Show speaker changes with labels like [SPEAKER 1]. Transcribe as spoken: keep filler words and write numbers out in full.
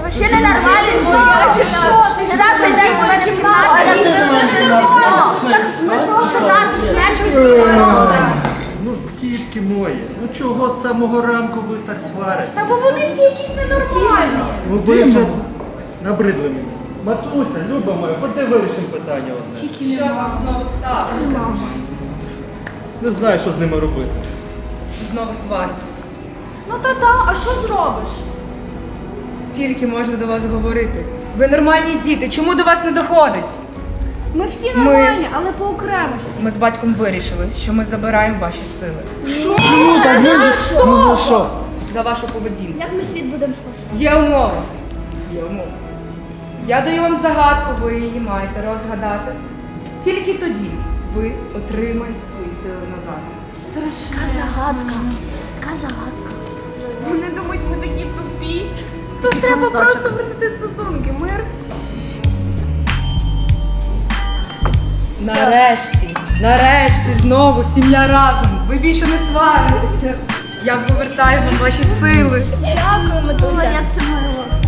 [SPEAKER 1] Ще не нормально, чи що? Ще раз зайдеш до мене в кімнату, а я тобі ще не вікно. Ще раз почнеш.
[SPEAKER 2] Ну, дітки мої, ну чого з самого ранку ви так сварите?
[SPEAKER 1] Та бо вони всі якісь ненормальні.
[SPEAKER 2] Ну ви вже набридли мені. Матуся, Люба моя, ходи вирішимо питання одне.
[SPEAKER 3] Що вам знову сталося?
[SPEAKER 2] Не знаю, що з ними робити.
[SPEAKER 3] Знову сваритись.
[SPEAKER 1] Ну та-та, а що зробиш?
[SPEAKER 3] Стільки можна до вас говорити. Ви нормальні діти, чому до вас не доходить?
[SPEAKER 1] Ми всі
[SPEAKER 3] Ми-
[SPEAKER 1] нормальні, але по окремості.
[SPEAKER 3] Ми з батьком вирішили, що ми забираємо ваші сили.
[SPEAKER 2] Ну так ви ж, ну за що?
[SPEAKER 3] За вашу поведінку.
[SPEAKER 1] Як ми світ будемо спасати?
[SPEAKER 3] Є умова. Є умова. Я даю вам загадку, ви її маєте розгадати. Тільки тоді ви отримаєте свої сили назад.
[SPEAKER 1] Яка загадка. Яка загадка. Вони думають, ми такі тупі. Тут треба просто вернути стосунки, мир.
[SPEAKER 3] Нарешті, нарешті, знову сім'я разом. Ви більше не сваритеся. Я повертаю вам ваші сили.
[SPEAKER 1] Дякую, Матуся. Як це мило.